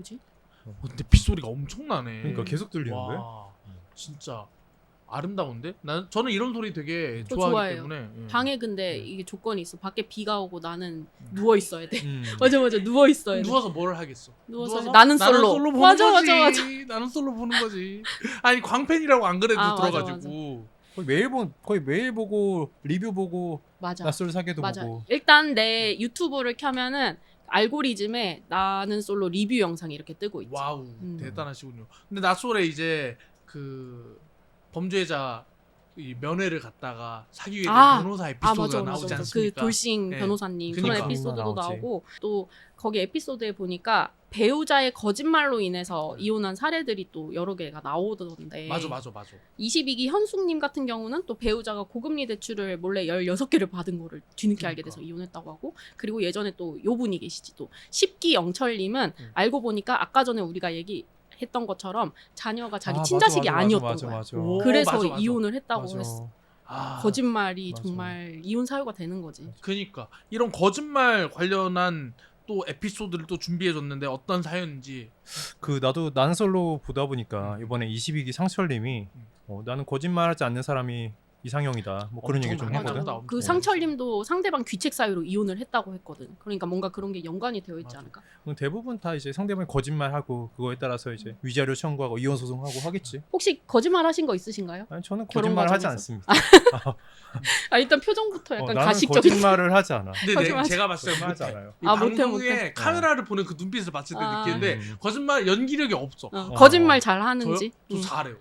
뭐지? 근데 빗소리가 엄청나네. 그러니까 계속 들리는데. 와, 진짜 아름다운데? 저는 이런 소리 되게 저 좋아하기 좋아해요. 때문에. 방에 근데 이게 조건이 있어. 밖에 비가 오고 나는 누워 있어야 돼. 음. 맞아 누워 있어야 돼. 누워서 뭘 하겠어? 누워서 나는 솔로. 보는 맞아, 거지. 맞아. 나는 솔로 보는 거지. 아니 광팬이라고 안 그래도 아, 맞아, 들어가지고. 거의 매일 보고 리뷰 보고 맞아. 낯설 사계도 맞아. 보고. 일단 내 유튜브를 켜면은 알고리즘에 나는 솔로 리뷰 영상이 이렇게 뜨고 있지. 와우 대단하시군요. 근데 나솔에 이제 그 범죄자 이 면회를 갔다가 사기 위해 변호사 에피소드가 나오지 그 않습니까? 돌싱 네. 변호사님 그러니까. 그런 에피소드도 나오지. 나오고 또 거기 에피소드에 보니까 배우자의 거짓말로 인해서 이혼한 사례들이 또 여러 개가 나오던데 맞아. 22기 현숙님 같은 경우는 또 배우자가 고금리 대출을 몰래 16개를 받은 거를 뒤늦게 알게 돼서 이혼했다고 하고 그리고 예전에 또 요 분이 계시지 또 10기 영철님은 알고 보니까 아까 전에 우리가 했던 것처럼 자녀가 자기 친자식이 아니었던 거야. 오, 그래서 맞아. 이혼을 했다고 맞아. 했어. 아, 거짓말이 맞아. 정말 이혼 사유가 되는 거지. 그러니까 이런 거짓말 관련한 또 에피소드를 또 준비해줬는데 어떤 사연인지. 나도 나는 솔로 보다 보니까 이번에 22기 상철님이 나는 거짓말하지 않는 사람이 이상형이다. 뭐 그런 얘기 좀 엄청 하거든. 많았다. 그 상철님도 상대방 귀책 사유로 이혼을 했다고 했거든. 그러니까 뭔가 그런 게 연관이 되어 있지 맞아. 않을까? 대부분 다 이제 상대방이 거짓말하고 그거에 따라서 이제 위자료 청구하고 이혼 소송하고 하겠지. 혹시 거짓말 하신 거 있으신가요? 아니 저는 결혼 거짓말 하지 과정에서? 않습니다. 아 일단 표정부터 약간 나는 가식적인. 거짓말을 하지 않아. 근데 거짓말 제가 봤을 때 하지 못해. 않아요. 이 아, 못해, 방송에 못해. 카메라를 보는 그 눈빛을 봤을 때 아. 느끼는데 거짓말 연기력이 없어. 거짓말 잘 하는지. 저 잘해요.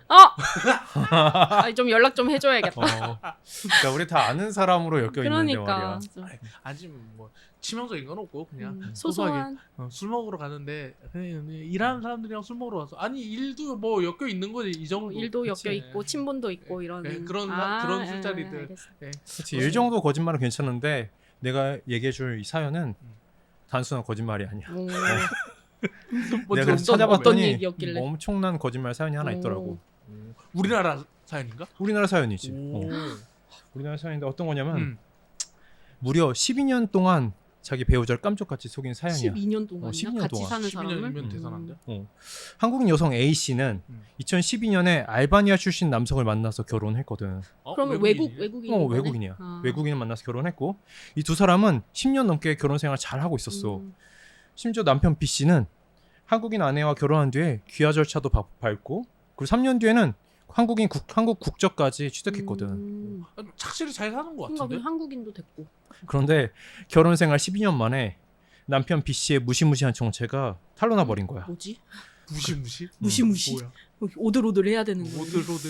좀 연락 좀 해줘야겠다. 그러니까 우리 다 아는 사람으로 엮여 있는데 그러니까 말이야. 아직 뭐 치명적인 건 없고 그냥 소소한. 술 먹으러 가는데 그냥 일하는 사람들이랑 술 먹으러 와서 아니 일도 뭐 엮여 있는 거지 이 정도. 일도 그치? 엮여 있고 친분도 있고 이런. 네, 그런 술자리들. 알겠어. 예. 그렇지. 일 정도 거짓말은 괜찮은데 내가 얘기해줄 이 사연은 단순한 거짓말이 아니야. 오. 뭐 내가 어떤- 찾아봤더니 어떤 얘기였길래? 엄청난 거짓말 사연이 하나 있더라고. 우리나라 사연인가? 우리나라 사연이지. 오. 우리나라 사연인데 어떤 거냐면 음. 무려 12년 동안 자기 배우자를 깜짝같이 속인 사연이야. 12년 동안이나 12년 같이 동안. 사는 사람을. 12년이면 대단한데. 한국인 여성 A 씨는 2012년에 알바니아 출신 남성을 만나서 결혼했거든. 그러면 외국인이네. 외국인인 거네? 외국인이야. 아. 외국인을 만나서 결혼했고 이 두 사람은 10년 넘게 결혼 생활 잘 하고 있었어. 심지어 남편 B 씨는 한국인 아내와 결혼한 뒤에 귀화 절차도 밟고 그리고 3년 뒤에는 한국 국적까지 취득했거든. 착실히 잘 사는 것 뭔가 같은데. 그냥 한국인도 됐고. 그런데 결혼 생활 12년 만에 남편 B 씨의 무시무시한 정체가 탄로나 버린 거야. 뭐지? 무시무시? 무시무시. 뭐야? 오들오들 해야 되는 거야. 오들오들.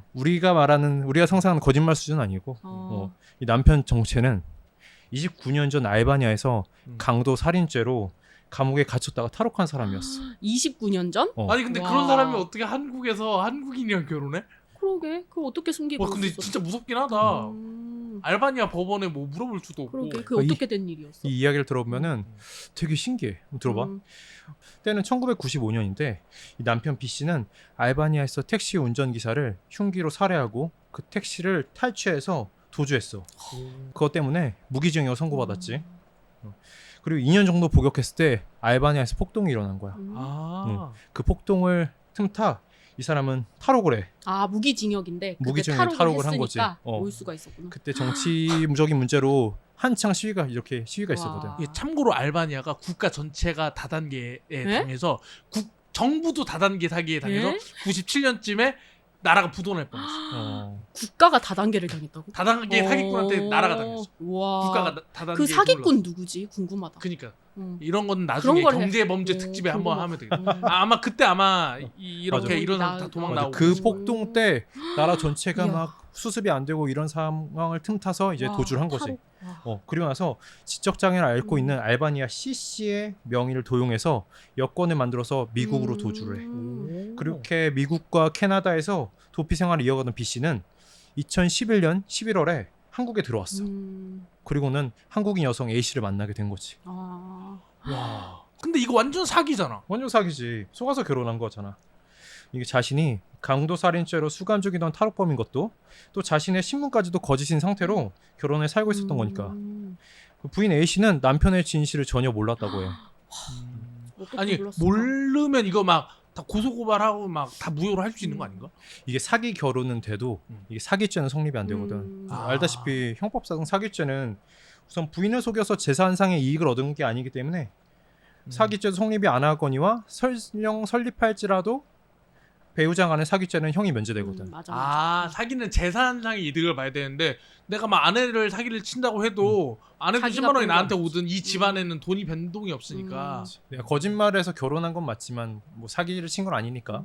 우리가 상상하는 거짓말 수준 아니고 이 남편 정체는 29년 전 알바니아에서 강도 살인죄로 감옥에 gat혔다가 탈옥한 사람이었어. 29년 전? 아니 근데 와. 그런 사람이 어떻게 한국에서 한국인이랑 결혼해? 그러게. 그걸 어떻게 숨기고 와 근데 있었어? 진짜 무섭긴 하다. 음. 알바니아 법원에 뭐 물어볼 수도 없고. 그러게. 그 어떻게 된 일이었어? 이 이야기를 들어보면은 되게 신기해. 들어봐. 때는 1995년인데 이 남편 B 씨는 알바니아에서 택시 운전기사를 흉기로 살해하고 그 택시를 탈취해서 도주했어. 그것 때문에 무기징역 선고받았지. 그리고 2년 정도 복역했을 때 알바니아에서 폭동이 일어난 거야. 아. 그 폭동을 틈타 이 사람은 탈옥을 해. 아 무기징역인데 그때 무기징역에 탈옥을 한 거지. 했으니까 올 수가 있었구나. 그때 정치적인 문제로 한창 시위가 와. 있었거든. 이게 참고로 알바니아가 국가 전체가 다단계에 당해서 정부도 다단계 사기에 당해서 97년쯤에 나라가 부도날 뻔했어. 국가가 다단계를 당했다고? 다단계 사기꾼한테 나라가 당했어. 와. 국가가 다단계. 그 사기꾼 누구지? 궁금하다. 그니까 응. 이런 건 나중에 그런 걸 경제 범죄 오, 특집에 한번 궁금하다. 하면 되겠다. 아마 그때 이렇게 맞아. 이런 사람 다 도망 맞아. 나오고. 그 폭동 때 나라 전체가 이야. 막 수습이 안 되고 이런 상황을 틈타서 이제 와, 도주를 한 거지. 탈옥. 와. 그리고 나서 지적 장애를 앓고 있는 알바니아 C 씨의 명의를 도용해서 여권을 만들어서 미국으로 도주를 해. 그렇게 미국과 캐나다에서 도피 생활을 이어가던 B 씨는 2011년 11월에 한국에 들어왔어. 그리고는 한국인 여성 A 씨를 만나게 된 거지. 아. 와. 근데 이거 완전 사기잖아. 완전 사기지. 속아서 결혼한 거잖아. 이게 자신이 강도살인죄로 수감 중이던 탈옥범인 것도 또 자신의 신분까지도 거짓인 상태로 결혼을 살고 있었던 거니까. 그 부인 A 씨는 남편의 진실을 전혀 몰랐다고 해. 어떻게 아니 몰랐을까? 모르면 이거 막 다 고소고발하고 막 다 무효로 할 수 있는 거 아닌가? 이게 사기 결혼은 돼도 이게 사기죄는 성립이 안 되거든. 아. 알다시피 형법상 사기죄는 우선 부인을 속여서 재산상의 이익을 얻은 게 아니기 때문에 사기죄도 성립이 안 하거니와 설령 설립할지라도 배우자 간의 사기죄는 형이 면제되거든. 맞아. 아 사기는 재산상의 이득을 봐야 되는데 내가 막 아내를 사기를 친다고 해도 아내도 자기가 10만 원이 본 나한테 건 오든 이 집안에는 돈이 변동이 없으니까 내가 거짓말해서 결혼한 건 맞지만 뭐 사기를 친 건 아니니까.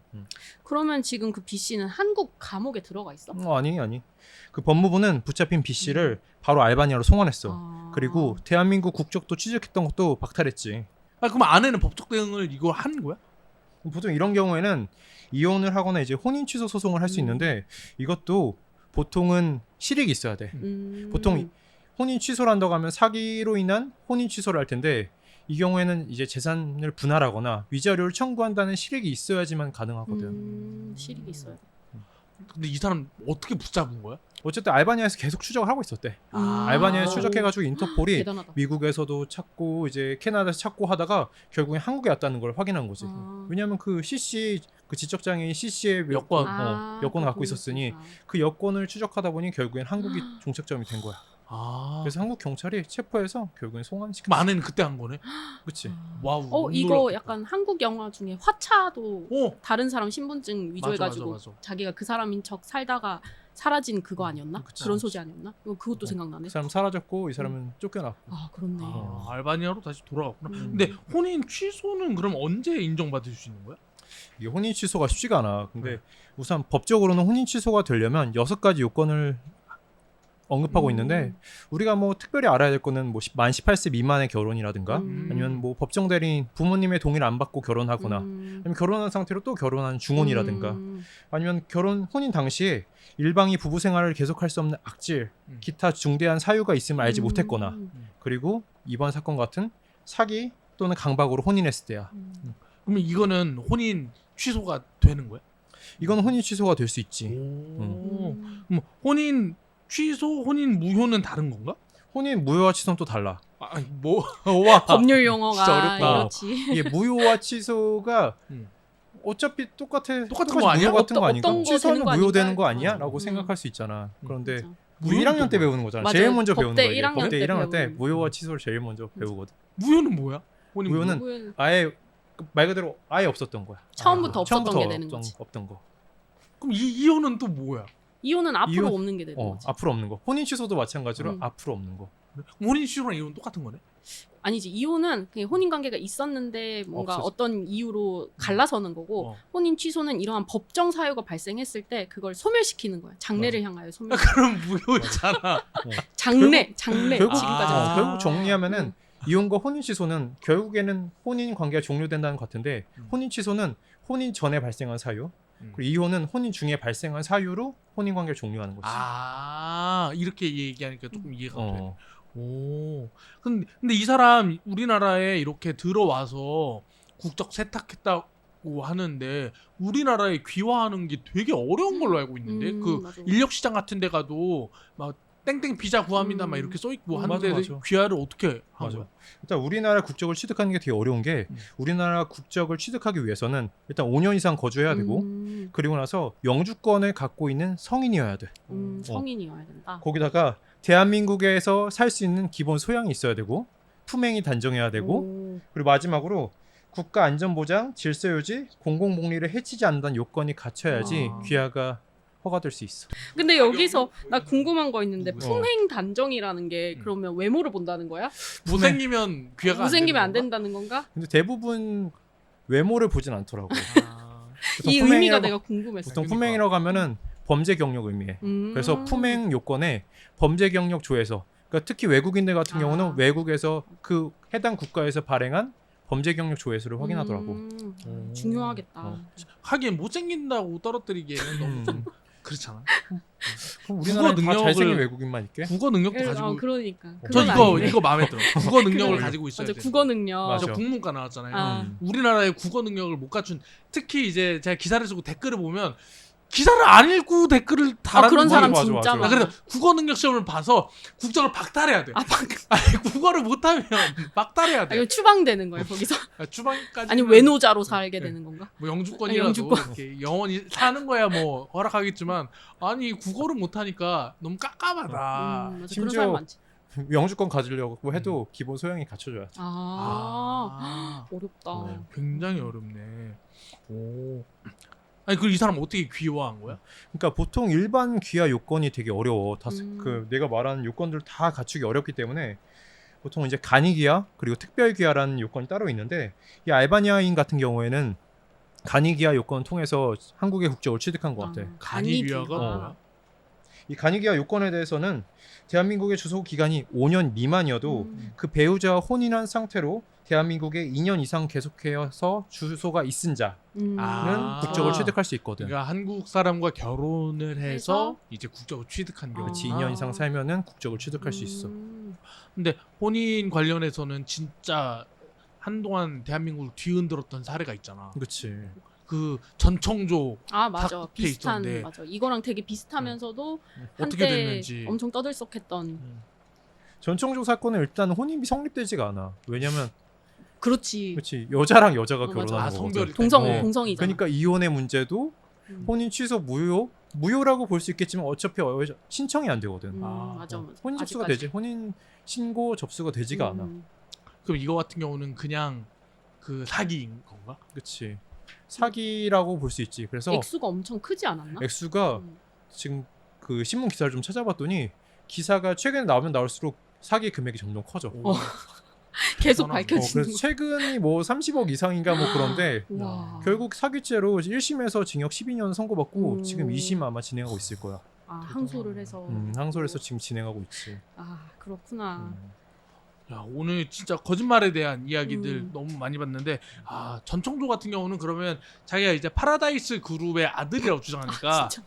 그러면 지금 그 B 씨는 한국 감옥에 들어가 있어? 아니. 그 법무부는 붙잡힌 B 씨를 바로 알바니아로 송환했어. 아. 그리고 대한민국 국적도 취득했던 것도 박탈했지. 아 그럼 아내는 법적 대응을 이거 하는 거야? 보통 이런 경우에는 이혼을 하거나 이제 혼인 취소 소송을 할 수 있는데 이것도 보통은 실익이 있어야 돼. 보통 혼인 취소를 한다고 하면 사기로 인한 혼인 취소를 할 텐데 이 경우에는 이제 재산을 분할하거나 위자료를 청구한다는 실익이 있어야지만 가능하거든. 실익이 있어야 돼. 근데 이 사람 어떻게 붙잡은 거야? 어쨌든 알바니아에서 계속 추적을 하고 있었대. 아. 알바니아에 추적해가지고 인터폴이 대단하다. 미국에서도 찾고 이제 캐나다에서 찾고 하다가 결국엔 한국에 왔다는 걸 확인한 거지. 아. 왜냐하면 그 CC 그 지적장애인 CC의 여권. 여권을 갖고 있었으니 그 여권을 추적하다 보니 결국엔 한국이 종착점이 된 거야. 아 그래서 한국 경찰이 체포해서 결국엔 송환시켰어. 그럼 아내는 그때 한 거네? 그치. 와우 이거 놀랍겠다. 약간 한국 영화 중에 화차도 어 다른 사람 신분증 위조해가지고 맞아. 자기가 그 사람인 척 살다가 사라진 그거 아니었나? 그치. 그런 소재 아니었나? 그것도 생각나네. 그 사람 사라졌고 이 사람은 쫓겨났고. 아 그렇네. 아, 알바니아로 다시 돌아갔구나. 음. 근데 혼인 취소는 그럼 언제 인정받을 수 있는 거야? 이게 혼인 취소가 쉽지가 않아. 근데 네. 우선 법적으로는 혼인 취소가 되려면 6가지 요건을 언급하고 있는데 우리가 뭐 특별히 알아야 될 거는 뭐 만 18세 미만의 결혼이라든가 아니면 뭐 법정 대리인 부모님의 동의를 안 받고 결혼하거나 아니면 결혼한 상태로 또 결혼한 중혼이라든가 아니면 혼인 당시에 일방이 부부 생활을 계속할 수 없는 악질, 기타 중대한 사유가 있음을 알지 못했거나 그리고 이번 사건 같은 사기 또는 강박으로 혼인했을 때야. 그러면 이거는 혼인 취소가 되는 거야? 이건 혼인 취소가 될 수 있지. 그럼 혼인 취소, 혼인 무효는 다른 건가? 혼인 무효와 취소는 또 달라. 와 법률 용어가 진짜 어렵다. 이렇지. 이게 무효와 취소가 어차피 똑같은 똑같이 거 아니야? 무효 같은 거 아닌가? 어떤 거 취소는 되는 거 무효되는 거 아닌가? 아니야? 라고 생각할 수 있잖아. 그런데 진짜. 우리 1학년 때 배우는 거잖아. 맞아요. 제일 먼저 배우는 법대 거야. 1학년 법대 때 1학년 때 배우는 무효와 취소를 제일 먼저 배우거든. 무효는 뭐야? 혼인 무효는 무효? 아예 말 그대로 아예 없었던 거야. 처음부터 없었던 처음부터 게 되는 거지. 없던 거. 그럼 이혼은 또 뭐야? 이혼은 앞으로 이혼- 없는 게 되는 거지. 앞으로 없는 거. 혼인 취소도 마찬가지로 음. 앞으로 없는 거. 혼인 취소랑 이혼 똑같은 거네? 아니지 이혼은 그냥 혼인 관계가 있었는데 뭔가 없어져. 어떤 이유로 갈라서는 거고 어. 혼인 취소는 이러한 법정 사유가 발생했을 때 그걸 소멸시키는 거야. 장래를 향하여 소멸. 그럼 무효잖아. 장래 결국 지금까지 아. 결국 정리하면은 이혼과 혼인 취소는 결국에는 혼인 관계가 종료된다는 것 같은데 혼인 취소는 혼인 전에 발생한 사유 그리고 이혼은 혼인 중에 발생한 사유로 혼인 관계를 종료하는 거지. 아 이렇게 얘기하니까 조금 이해가 돼. 어. 오. 근데 이 사람 우리나라에 이렇게 들어와서 국적 세탁했다고 하는데 우리나라에 귀화하는 게 되게 어려운 걸로 알고 있는데 그 맞아. 인력 시장 같은 데 가도 막 땡땡 비자 구합니다 막 이렇게 써 있고 하는데 맞아. 귀화를 어떻게 한 맞아. 거야? 일단 우리나라 국적을 취득하는 게 되게 어려운 게 우리나라 국적을 취득하기 위해서는 일단 5년 이상 거주해야 되고 그리고 나서 영주권을 갖고 있는 성인이어야 돼. 성인이어야 된다. 거기다가 대한민국에서 살 수 있는 기본 소양이 있어야 되고 품행이 단정해야 되고 오. 그리고 마지막으로 국가 안전보장, 질서유지, 공공복리를 해치지 않는다는 요건이 갖춰야지 아. 귀화가 허가될 수 있어. 근데 여기서 나 궁금한 거 있는데 어. 품행 단정이라는 게 그러면 외모를 본다는 거야? 못생기면 귀화가 못생기면 안 되는 건가? 된다는 건가? 근데 대부분 외모를 보진 않더라고. 아. 보통 이 의미가 품행이라고- 내가 궁금했어. 보통 그러니까. 품행이라고 하면은 범죄 경력 의미해. 그래서 품행 요건에 범죄 경력 조회서. 그러니까 특히 외국인들 같은 아. 경우는 외국에서 그 해당 국가에서 발행한 범죄 경력 조회서를 확인하더라고. 중요하겠다. 어. 하긴 못생긴다고 떨어뜨리기에는 너무 좀 그렇잖아. 그럼 우리나라에 다 능력을- 잘생긴 외국인만 있게? 국어 능력도 가지고 그러니까. 저 그건 이거 아니네. 이거 마음에 들어. 국어 능력을 그건- 가지고 있어야 맞아 돼. 국어 능력. 맞아. 저 국문과 나왔잖아요. 아. 음. 우리나라의 국어 능력을 못 갖춘 특히 이제 제가 기사를 쓰고 댓글을 보면 기사를 안 읽고 댓글을 달았는 그런 사람 맞아, 진짜 맞아. 많아. 그래서 국어 능력 시험을 봐서 국적을 박탈해야 돼. 아, 아니 국어를 못하면 박탈해야 돼. 이거 추방되는 거예요 거기서. 추방까지. 아니 외노자로 살게 네. 되는 건가? 뭐 영주권이라도 영주권. 이렇게 영원히 사는 거야 뭐 허락하겠지만 아니 국어를 못하니까 너무 깝깝하다. 맞아. 그런 심지어 사람 많지. 영주권 가지려고 해도 기본 소양이 갖춰줘야 돼. 어렵다. 굉장히 어렵네. 오. 아니 그 이 사람 어떻게 귀화한 거야? 그러니까 보통 일반 귀화 요건이 되게 어려워. 음. 그 내가 말하는 요건들 다 갖추기 어렵기 때문에 보통 이제 간이 귀화 그리고 특별 귀화라는 요건이 따로 있는데 이 알바니아인 같은 경우에는 간이 귀화 요건을 통해서 한국의 국적을 취득한 것 같아. 간이 귀화가 귀화. 뭐야? 이 간이 귀화 요건에 대해서는 대한민국의 주소 기간이 5년 미만이어도 음. 그 배우자와 혼인한 상태로 대한민국에 2년 이상 계속해서 주소가 있은 자는 아. 국적을 취득할 수 있거든. 그러니까 한국 사람과 결혼을 해서 해서? 이제 국적을 취득한 경우. 그렇지, 아. 2년 이상 살면은 국적을 취득할 수 있어. 근데 혼인 관련해서는 진짜 한동안 대한민국을 뒤흔들었던 사례가 있잖아. 그렇지. 그 전청조 맞아. 탁 비슷한 있던데. 맞아. 이거랑 되게 비슷하면서도 어떻게 한때 됐는지. 엄청 떠들썩했던. 전청조 사건은 일단 혼인이 성립되지가 않아. 왜냐면 그렇지. 그렇지 여자랑 여자가 맞아. 결혼하는 성별이 거거든. 동성이잖아. 그러니까 이혼의 문제도 음. 혼인 취소 무효라고 볼 수 있겠지만 어차피 신청이 안 되거든. 맞아. 혼인 접수가 아직까지. 되지. 혼인 신고 접수가 되지가 않아. 그럼 이거 같은 경우는 그냥 그 사기인 건가? 그렇지. 사기라고 볼 수 있지. 그래서 액수가 엄청 크지 않았나? 액수가 음. 지금 그 신문 기사를 좀 찾아봤더니 기사가 최근에 나오면 나올수록 사기 금액이 점점 커져. 계속 대단하네. 밝혀지는 그래서 최근이 뭐 30억 이상인가 뭐 그런데 거. 와. 결국 사기죄로 1심에서 징역 12년 선고받고 지금 2심 아마 진행하고 있을 거야. 항소를 해서. 항소해서 지금 진행하고 있지. 그렇구나. 야 오늘 진짜 거짓말에 대한 이야기들 음. 너무 많이 봤는데 전청조 같은 경우는 그러면 자기가 이제 파라다이스 그룹의 아들이라고 주장하니까 진짜.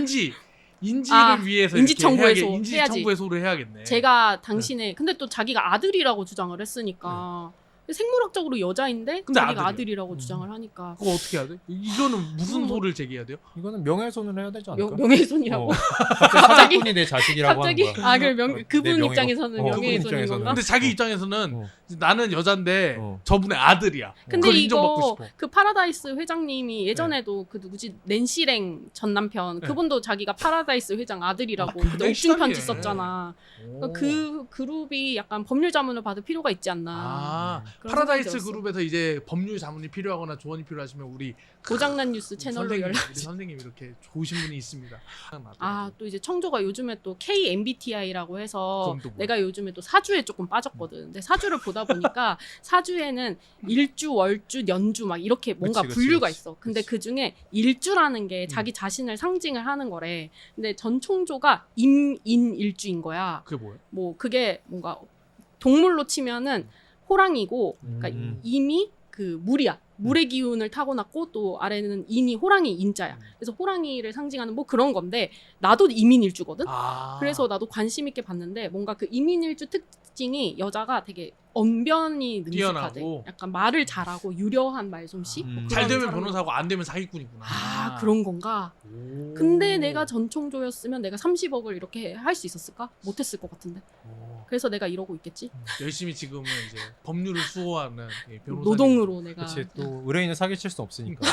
인지를 위해서 인지청구해소 인지청구해소를 해야겠네. 제가 당신의 근데 또 자기가 아들이라고 주장을 했으니까 생물학적으로 여자인데 근데 자기가 아들이야. 아들이라고 주장을 하니까 그거 어떻게 해야 돼? 이거는 무슨 소를 제기해야 돼요? 이거는 명예훼손을 해야 되지 않을까? 명예훼손이라고. 갑자기 사기꾼이 내 자식이라고 갑자기 하는 거야. 그럼 내 그분 명예- 입장에서는 그분 명예훼손인 입장에서는. 건가? 근데 자기 입장에서는 어. 나는 여잔데 어. 저분의 아들이야. 근데 그걸 인정받고 이거 싶어. 그 파라다이스 회장님이 예전에도 그 누구지 낸시랭 전 남편 네. 그분도 자기가 파라다이스 회장 아들이라고 그때 굉장히 옥중 편지 심하게. 썼잖아. 오. 그 그룹이 약간 법률 자문을 받을 필요가 있지 않나. 그런 파라다이스 생각이 들었어. 그룹에서 이제 법률 자문이 필요하거나 조언이 필요하시면 우리 고장난 뉴스 채널로 선생님, 연락. 우리 선생님 이렇게 좋으신 분이 있습니다. 또 이제 청조가 요즘에 또 KMBTI라고 해서 그건 또 뭐야? 내가 요즘에 또 사주에 조금 빠졌거든. 근데 사주를 보다 보니까 사주에는 일주, 월주, 연주 막 이렇게 뭔가 그치, 분류가 그치. 있어. 근데 그치. 그 중에 일주라는 게 자기 자신을 상징을 하는 거래. 근데 전총조가 임인일주인 거야. 그게 뭐야? 뭐 그게 뭔가 동물로 치면은 호랑이고, 그러니까 임이 그 물이야. 물의 기운을 타고났고 또 아래는 인이 호랑이 인자야. 그래서 호랑이를 상징하는 뭐 그런 건데 나도 이민일주거든. 그래서 나도 관심 있게 봤는데 뭔가 그 이민일주 특징이 여자가 되게 언변이 능숙하대. 뛰어나고. 약간 말을 잘하고 유려한 말솜씨. 뭐 그런 잘 되면 사람들. 변호사고 안 되면 사기꾼이구나. 그런 건가? 오. 근데 내가 전총조였으면 내가 30억을 이렇게 할 수 있었을까? 못했을 것 같은데. 오. 그래서 내가 이러고 있겠지. 열심히 지금은 이제 법률을 수호하는 변호사. 노동으로 내가. 그렇지. 또 의뢰인을 사기칠 수 없으니까.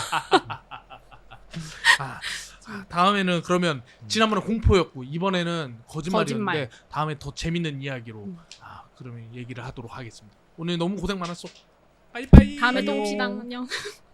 다음에는 그러면 지난번에 공포였고 이번에는 거짓말이었는데 거짓말. 다음에 더 재밌는 이야기로 그러면 얘기를 하도록 하겠습니다. 오늘 너무 고생 많았어. 빠이빠이. 다음에 또 안녕. 봅시다. 안녕.